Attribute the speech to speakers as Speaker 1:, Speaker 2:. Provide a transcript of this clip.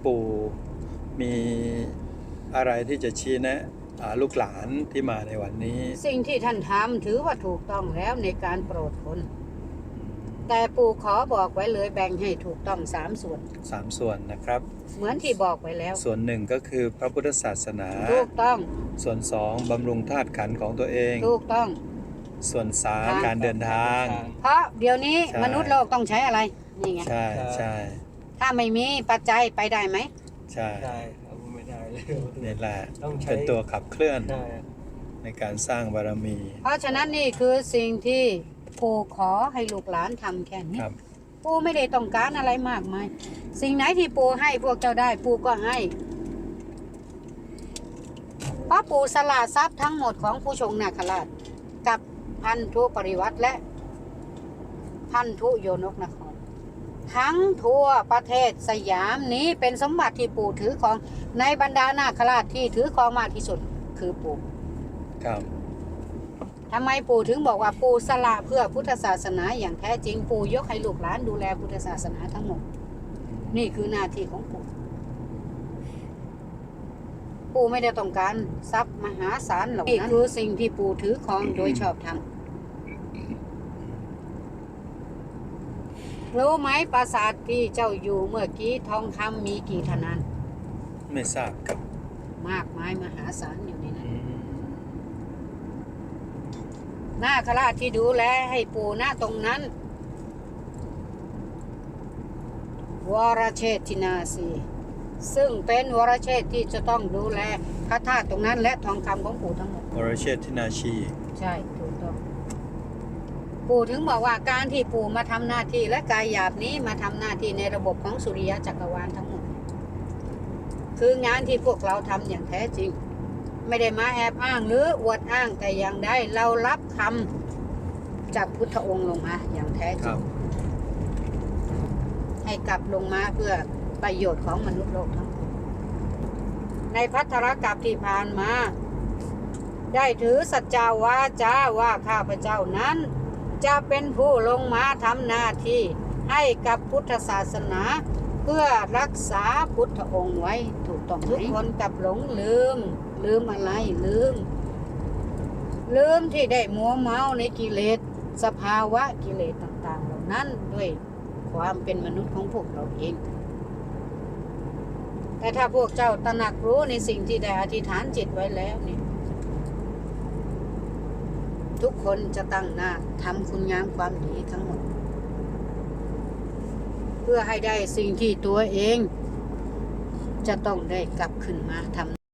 Speaker 1: ปู่มีอะไรที่จะชี้แนะลูกหลานที่มาในวันนี้
Speaker 2: สิ่งที่ท่านทำถือว่าถูกต้องแล้วในการโปรดคนแต่ปู่ขอบอกไว้เลยแบ่งให้ถูกต้อง3 ส่วน
Speaker 1: 3 ส่วนนะครับ
Speaker 2: เหมือนที่บอกไว้แล้ว
Speaker 1: ส่วนหนึ่งก็คือพระพุทธศาสนา
Speaker 2: ถูกต้อง
Speaker 1: ส่วน2บำรุงธาตุขันธ์ของตัวเอง
Speaker 2: ถูกต้อง
Speaker 1: ส่วน3การเดินทาง
Speaker 2: เพราะเดี๋ยวนี้มนุษย์โลกต้องใช้อะไรนี่ไง
Speaker 1: ใช่ใช่
Speaker 2: ถ้าไม่มีปัจจัยไปได้ไหม
Speaker 1: ใช่
Speaker 3: ไม่ได้เลย
Speaker 1: นี่แหละเป็นตัวขับเคลื่อนในการสร้างบารมี
Speaker 2: เพราะฉะนั้นนี่คือสิ่งที่ปู่ขอให้ลูกหลานทำแค่นี้ปู่ไม่ได้ต้องการอะไรมากมายสิ่งไหนที่ปู่ให้พวกเจ้าได้ปู่ก็ให้เพราะปู่สละทรัพย์ทั้งหมดของผู้ชงนาคราชกับพันธุปริวัติและพันธุโยนกนครทั้งทั่วประเทศสยามนี้เป็นสมบัติที่ปู่ถือของในบรรดานาคราชที่ถือของมากที่สุดคือปู่
Speaker 1: ครับ
Speaker 2: ทำไมปู่ถึงบอกว่าปู่สละเพื่อพุทธศาสนาอย่างแท้จริงปู่ยกให้ลูกหลานดูแลพุทธศาสนาทั้งหมดนี่คือหน้าที่ของปู่ปู่ไม่ได้ต้องการทรัพย์มหาศาลหรอกนี่คือสิ่งที่ปู่ถือครองโดยชอบธรรมรู้ไหมปราสาทที่เจ้าอยู่เมื่อกี้ทองคำมีกี่ธนาน
Speaker 1: ไม่ทราบครับ
Speaker 2: มากมายมหาศาลอยู่ในนั้นนาคราชที่ดูแลให้ปู่ณตรงนั้นวรเชษฐินาสีซึ่งเป็นวรเชษฐที่จะต้องดูแลพระธาตุตรงนั้นและทองคำของปู่ทั้งหมด
Speaker 1: วรเชษฐินาชี
Speaker 2: ใช่ถูกต้องปู่ถึงบอกว่าการที่ปู่มาทำหน้าที่และกายหยาบนี้มาทำหน้าที่ในระบบของสุริยะจักรวาลทั้งหมดคืองานที่พวกเราทำอย่างแท้จริงไม่ได้มาแอบอ้างหรืออวดอ้างแต่อย่างใดเรารับคำจากพุทธองค์ลงมาอย่างแท้จริงให้กลับลงมาเพื่อประโยชน์ของมนุษย์โลกทั้งหมดในภัทรกัปที่ผ่านมาได้ถือสัจจาวาจาว่าข้าพเจ้านั้นจะเป็นผู้ลงมาทำหน้าที่ให้กับพุทธศาสนาเพื่อรักษาพุทธองค์ไว้ถูกต้องทุกคนกับหลงลืมอะไรลืมที่ได้มัวเมาในกิเลสสภาวะกิเลสต่างๆเหล่านั้นด้วยความเป็นมนุษย์ของพวกเราเองแต่ถ้าพวกเจ้าตระหนักรู้ในสิ่งที่ได้อธิษฐานจิตไว้แล้วเนี่ยทุกคนจะตั้งหน้าทำคุณงามความดีทั้งหมดเพื่อให้ได้สิ่งที่ตัวเองจะต้องได้กลับขึ้นมาทำ